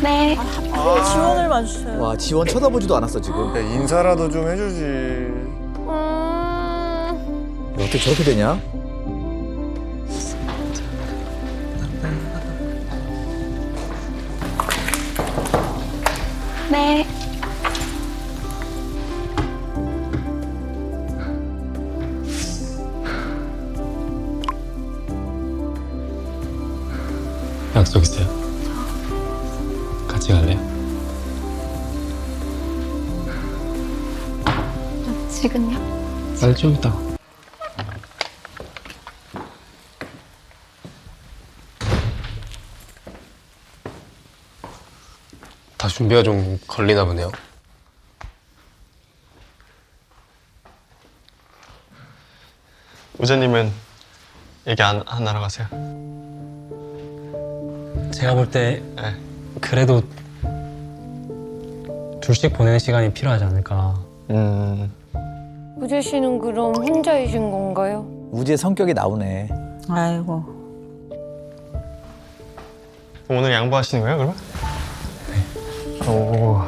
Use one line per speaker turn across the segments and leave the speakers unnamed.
네.
하필 지원을만 주세요.
와, 지원 쳐다보지도 않았어, 지금.
야, 인사라도 좀 해주지.
어떻게 저렇게 되냐?
네.
약속 있어요? 같이 갈래요?
지금요?
빨리 좀 이따. 다 준비가 좀 걸리나 보네요.
우재님은 얘기 안 하러 가세요?
제가 볼 때
네.
그래도 둘씩 보내는 시간이 필요하지 않을까.
우재 씨는 그럼 혼자이신 건가요?
우지의 성격이 나오네.
아이고.
오늘 양보하시는 거예요, 그러면? 네. 오.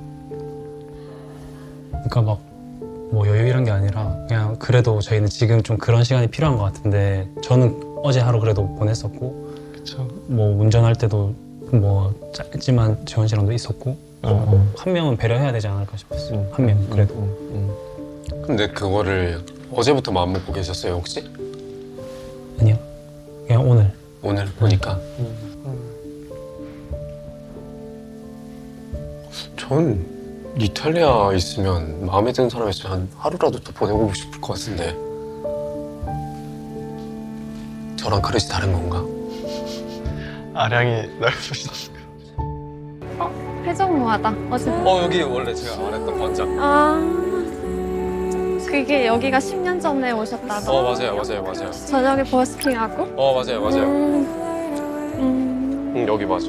그러니까 막 뭐 여유 이런 게 아니라 그냥 그래도 저희는 지금 좀 그런 시간이 필요한 것 같은데 저는 어제 하루 그래도 보냈었고
그쵸.
뭐 운전할 때도 뭐 짧지만 지원 씨랑도 있었고 한 명은 배려해야 되지 않을까 싶었어요. 한 명 그래도.
근데 그거를 어제부터 마음 먹고 계셨어요, 혹시?
아니요. 그냥 오늘.
오늘 보니까. 전 이탈리아 있으면 마음에 드는 사람 있으면 한 하루라도 더 보내고 싶을 것 같은데. 저랑 그릇이 다른 건가?
아량이 넓으시다.
회전무하다. 어제.
여기 원래 제가 말했던 번장.
아. 그게 여기가 10년 전에 오셨다고?
맞아요.
저녁에 버스킹하고?
맞아요. 여기 맞아.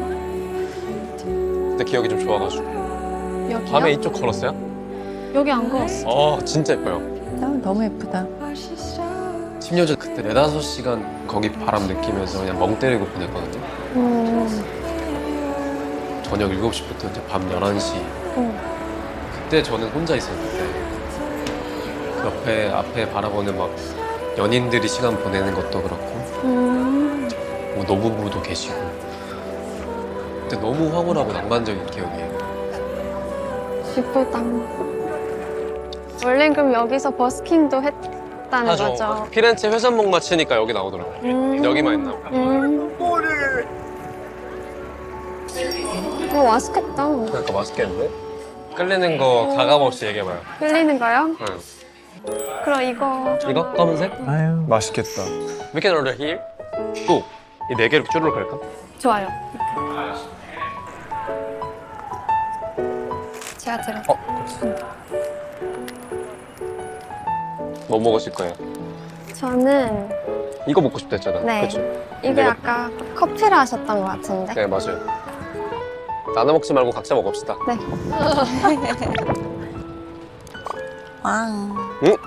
근데 기억이 좀 좋아가지고.
여기요?
밤에 이쪽 걸었어요?
여기 안 걸었어.
진짜 예뻐요.
너무 예쁘다.
10년 전 그때 4-5시간 거기 바람 느끼면서 그냥 멍 때리고 보냈거든요. 저녁 7시부터 이제 밤 11시. 그때 저는 혼자 있었는데 앞에 바라보는 막 연인들이 시간 보내는 것도 그렇고 뭐 노부부도 계시고 그때 너무 황홀하고 낭만적인 기억이에요.
예쁘다. 원래 그럼 여기서 버스킹도 했다는 거죠?
피렌체 회전목 맞히니까 여기 나오더라고요. 여기만 있나 봐.
맛있겠다.
그러니까 맛있겠는데? 끌리는 거 가감 없이 얘기해봐요.
끌리는 거요?
응.
그럼 이거
이거? 검은색?
아유.
맛있겠다.
We can order here. 또! 이 4개 이렇게 쭈르륵 갈까?
좋아요. 제가 들어.
뭐 먹으실 거예요?
저는
이거 먹고 싶다 했잖아.
네.
그쵸?
이게
내가-
아까 커피를 하셨던 것 같은데.
네, 맞아요. 나눠 먹지 말고 각자 먹읍시다.
네.
왕.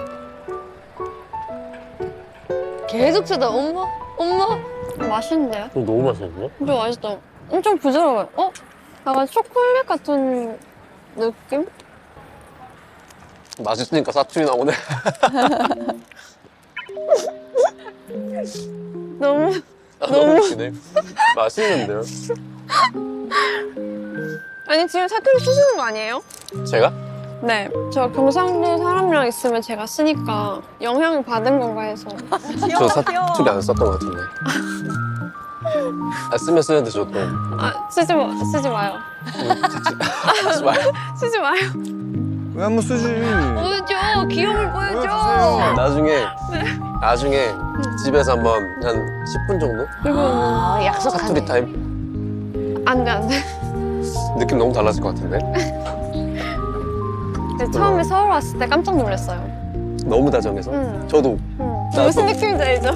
계속 쳐다. 엄마? 맛있는데요?
너무 맛있는데?
진짜 맛있다. 엄청 부드러워요. 약간 초콜릿 같은 느낌?
맛있으니까 사투리 나오네.
너무
너무 웃기네. 맛있는데요?
아니 지금 사투리 쓰시는 거 아니에요?
제가?
네. 저 경상도 사람이랑 있으면 제가 쓰니까 영향을 받은 건가 해서.
저 사투리 안 썼던 것 같은데. 쓰면 쓰는데 저도.
쓰지 마요.
하지 마요.
쓰지 마요.
왜 한번 쓰지?
보여줘. 귀여움을 보여줘.
보여주세요.
나중에 집에서 한번 한 10분 정도?
그리고
사투리 타임?
안 돼.
느낌 너무 달라질 것 같은데?
근데 처음에 서울 왔을 때 깜짝 놀랐어요.
너무 다정해서?
응.
저도.
무슨 느낌인지 알죠?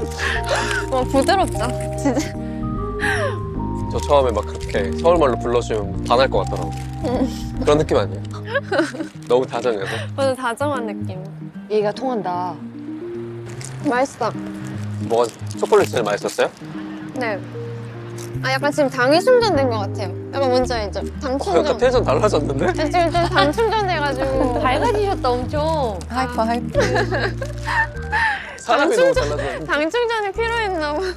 부드럽죠? 진짜.
저 처음에 막 그렇게 서울말로 불러주면 반할 것 같더라고. 그런 느낌 아니에요? 너무 다정해서.
완전 다정한 느낌.
얘가 통한다.
맛있어.
뭐가 초콜릿 제일 맛있었어요?
네. 아 약간 지금 당이 충전된 것 같아요. 약간 뭔지 알죠? 당 충전.
약간 텐션 달라졌는데?
네, 지금 좀 당 충전돼가지고
밝아지셨다 엄청.
하이퍼 하이퍼.
사람이 너무 달라졌는데.
당 충전이 필요했나 봐.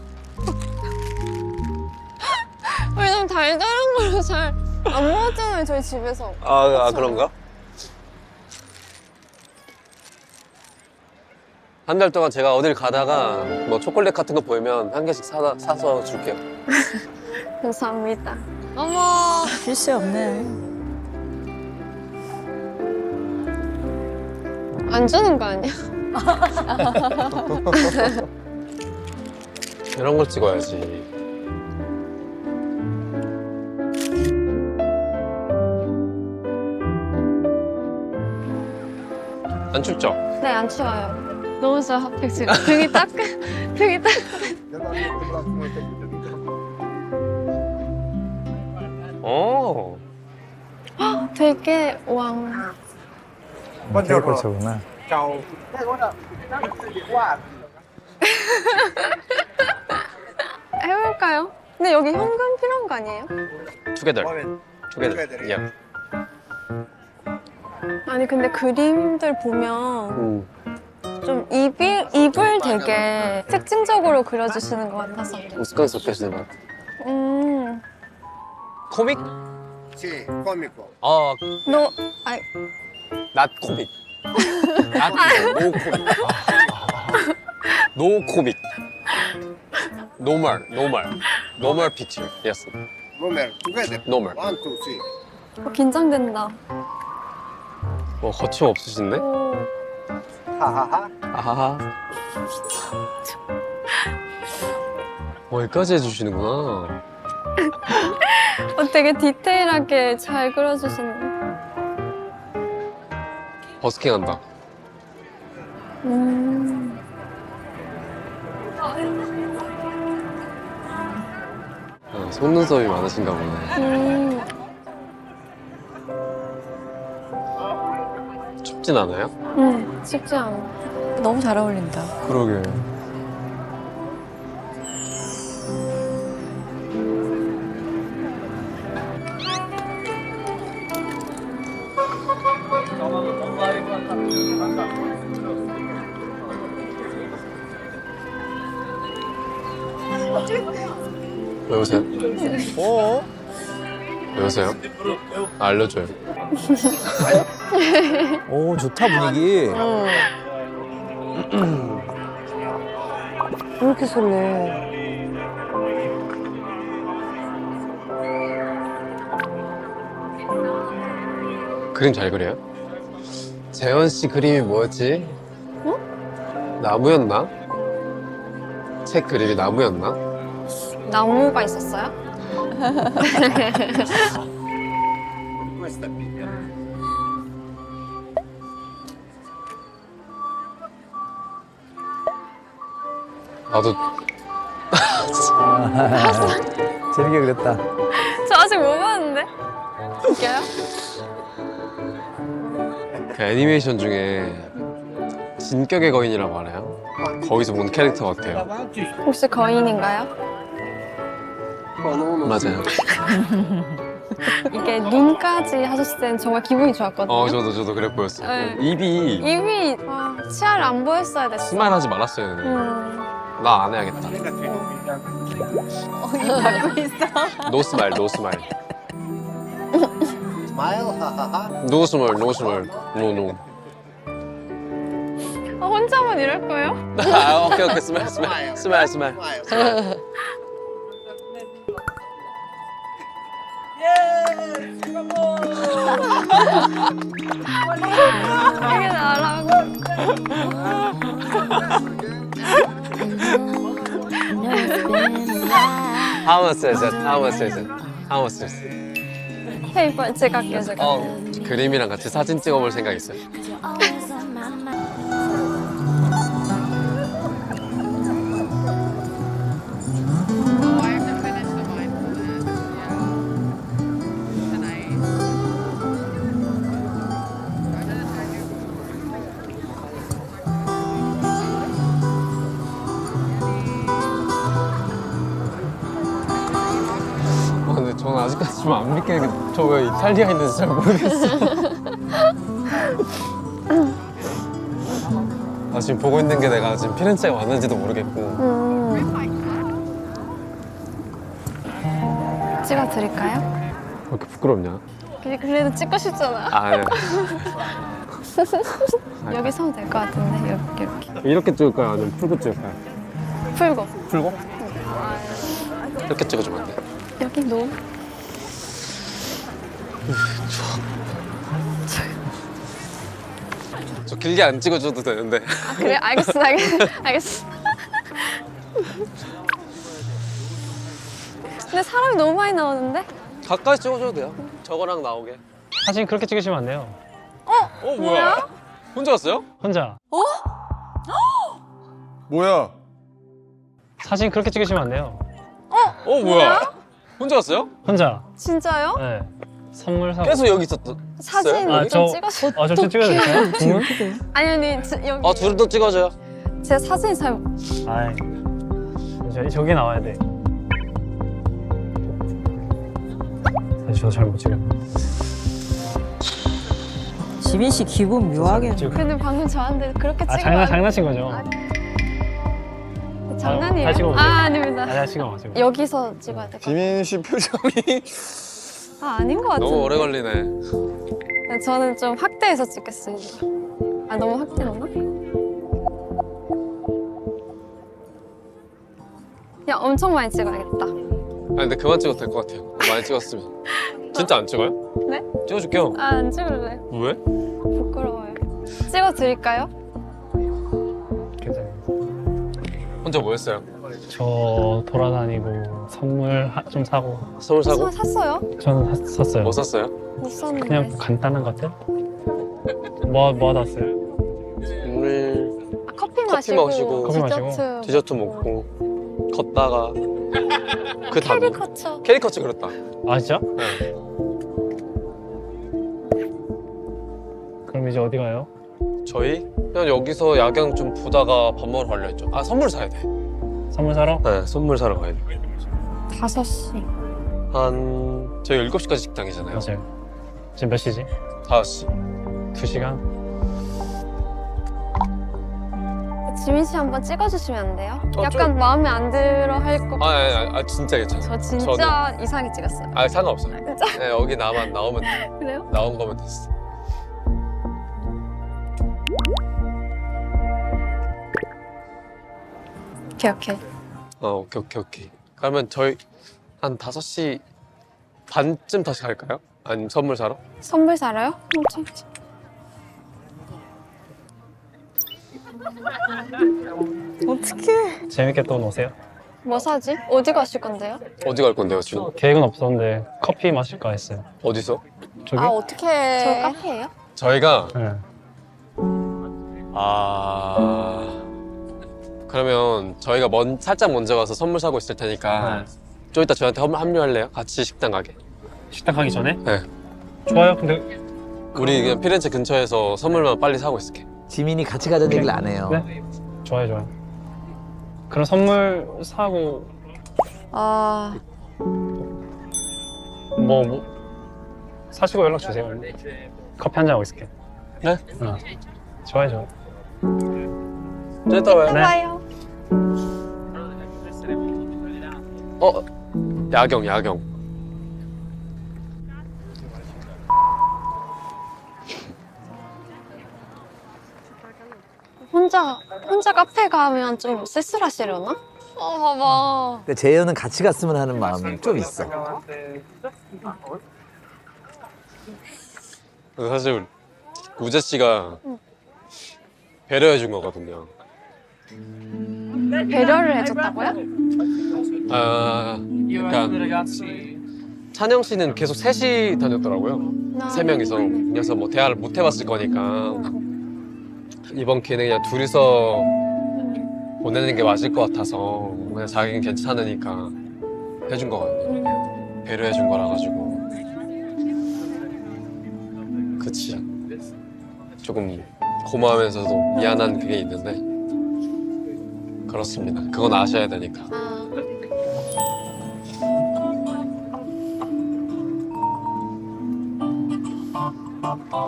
우리 너무 달달한 걸로 잘 안 먹었잖아요 저희 집에서.
아 그런가? 한 달 동안 제가 어딜 가다가 뭐 초콜릿 같은 거 보이면 한 개씩 사서 줄게요.
감사합니다. 어머.
쉴 새 없네.
안 주는 거 아니야?
이런 걸 찍어야지. 안 춥죠?
네, 안 추워요. 너무 좋아, 핫팩 지금. 등이 등이
오.
되게 왕.
캐릭터구나.
해볼까요? 근데 여기 현금 필요한 거 아니에요?
투게더. 예.
아니 근데 그림들 보면 좀 입을 되게 특징적으로 그려주시는 것 같아서.
우스꽝 섞여지는 것 같아. 코믹?
Sì, comico.
너, 아니,
낫 코믹. 노 코믹. 노 코믹. 노멀 픽처. 예스.
Romer, together.
노멀.
1, 2, 3.
긴장된다.
뭐 거침 없으신데?
오,
하하하.
아하하. 여기까지 해주시는구나.
되게 디테일하게 잘 그려주시는.
버스킹 한다. 속눈썹이 많으신가 보네. 춥진 않아요?
쉽지 않아.
너무 잘 어울린다.
그러게.
왜 오세요?
어?
왜 오세요? 알려줘요.
오 좋다 분위기.
왜 이렇게 설레?
그림 잘 그려요? 재현 씨 그림이 뭐였지? 나무였나? 책 그림이 나무였나?
나무가 있었어요?
Questa è piccola.
나도
재밌게 그렸다.
저 아직 못 봤는데? 웃겨요?
그 애니메이션 중에 진격의 거인이라고 알아요? 거기서 본 캐릭터 같아요.
혹시 거인인가요?
맞아요.
이게 눈까지 하셨을 때는 정말 기분이 좋았거든요.
저도 그래 보였어요.
네.
입이
입이 치아를 안 보였어야 됐어.
스마일하지 말았어요. 나 안 해야겠다.
입 닫고 있어.
노 스마일, 노 스마일.
Smile, hahaha.
노 스마일, 노 스마일. 노.
혼자만 이럴 거예요?
오케이. 스마일.
이게 나라고.
How much is it?
페이퍼 제가 할게요, 제가.
그림이랑 같이 사진 찍어볼 생각 있어요?
나 지금 안 믿기는 게 저 왜 이탈리아에 있는지 잘 모르겠어. 나 지금 보고 있는 게 내가 지금 피렌체에 왔는지도 모르겠고.
찍어드릴까요?
왜 이렇게 부끄럽냐?
그래도 찍고 싶잖아.
아, 네.
여기 서면 될 것 같은데 이렇게
이렇게 찍을까요? 아니면 풀고 찍을까요?
풀고
풀고? 이렇게 찍어주면 안 돼?
여기 놓.
저 길게 안 찍어줘도 되는데.
아 그래? 알겠어. 근데 사람이 너무 많이 나오는데?
가까이 찍어줘도 돼요. 저거랑 나오게.
사진 그렇게 찍으시면 안 돼요.
뭐야? 혼자 왔어요?
혼자.
뭐야?
사진 그렇게 찍으시면 안 돼요.
뭐야? 혼자 왔어요?
혼자.
진짜요?
네. 선물 사고.
계속 여기 있었던.
사진
아,
좀
저-
찍어줘.
저 좀 찍어도 될까요? 동물?
아니 여기
둘 더 찍어줘요.
제가 사진 잘
아이. 저기 나와야 돼. 사실 저도 잘 못 찍어요.
지민 씨 기분 묘하게.
근데 방금 저한테 그렇게
아,
찍으면
장난친 거죠?
장난이에요?
다 찍어보세요.
아닙니다.
아니야, 지금 지금.
여기서 찍어야 돼.
비민 씨 표정이
아닌 것 같은데.
너무 오래 걸리네.
저는 좀 확대해서 찍겠습니다. 아 너무 확대했나? 야 엄청 많이 찍어야겠다.
아니 근데 그만 찍어도 될 것 같아요. 많이 찍었으면. 진짜 안 찍어요?
네?
찍어줄게요.
아 안 찍을래.
왜?
부끄러워요. 찍어드릴까요?
괜찮아요.
혼자 뭐 했어요?
저 돌아다니고 선물 좀 사고.
선물 사고?
저 샀어요?
저는 샀어요.
뭐 샀어요?
못 샀는데.
그냥 간단한 것들? 뭐 샀어요?
물,
아, 커피
커피
마시고,
마시고,
커피 마시고,
디저트,
디저트 먹고 걷다가 그 다음
캐리커처.
캐리커처 그렸다.
아 진짜?
네.
그럼 이제 어디 가요?
저희 그냥 여기서 야경 좀 보다가 밥 먹으러 가려 했죠. 아 선물 사야 돼.
선물 사러?
네, 선물 사러 가야 돼.
5시.
한 저희 7시까지 식당이잖아요.
맞아요. 지금 몇 시지?
5시.
2시간?
지민 씨 한번 찍어주시면 안 돼요?
어,
약간 마음에 안 들어 할 것 같아요.
진짜 괜찮아.
저 진짜 이상하게 찍었어요.
상관없어요.
진짜?
네, 여기 나만 나오면
그래요?
나온 거면 됐어.
오케이.
오케이. 그러면 저희 한 5시 반쯤 다시 갈까요? 아니면 선물 사러?
선물 사러요?
어떡해.
재밌게 또 노세요.
뭐 사지? 어디 가실 건데요?
어디 갈 건데요, 지금?
계획은 없었는데 커피 마실까 했어요.
어디서?
저기?
어떡해.
저 카페예요?
저희가
네.
그러면 저희가 살짝 먼저 가서 선물 사고 있을 테니까 좀 이따 저한테 합류할래요? 같이 식당 가게.
식당 가기 전에?
네.
좋아요. 근데
우리 그냥 피렌체 근처에서 선물만 빨리 사고 있을게.
지민이 같이 가자는 얘기를 안 해요.
네? 좋아요. 그럼 선물 사고
아,
뭐 사시고 연락 주세요. 커피 한잔 하고 있을게.
네?
좋아요.
좀 이따 봐요.
네.
봐요.
야경.
혼자 카페 가면 좀 쓸쓸하시려나? 봐봐.
그러니까 재현은 같이 갔으면 하는 마음이 좀 있어.
사실 우재 씨가 배려해 준 거거든요.
배려를 해줬다고요?
그러니까 찬영 씨는 계속 셋이 다녔더라고요. 3명이서. 그래서 뭐 대화를 못 해봤을 거니까 이번 기회는 그냥 둘이서 보내는 게 맞을 것 같아서 그냥 자기는 괜찮으니까 해준 거거든요. 배려해 준 거라 가지고. 그치. 조금 고마우면서도 미안한 그게 있는데 그렇습니다. 그건 아셔야 되니까.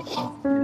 아,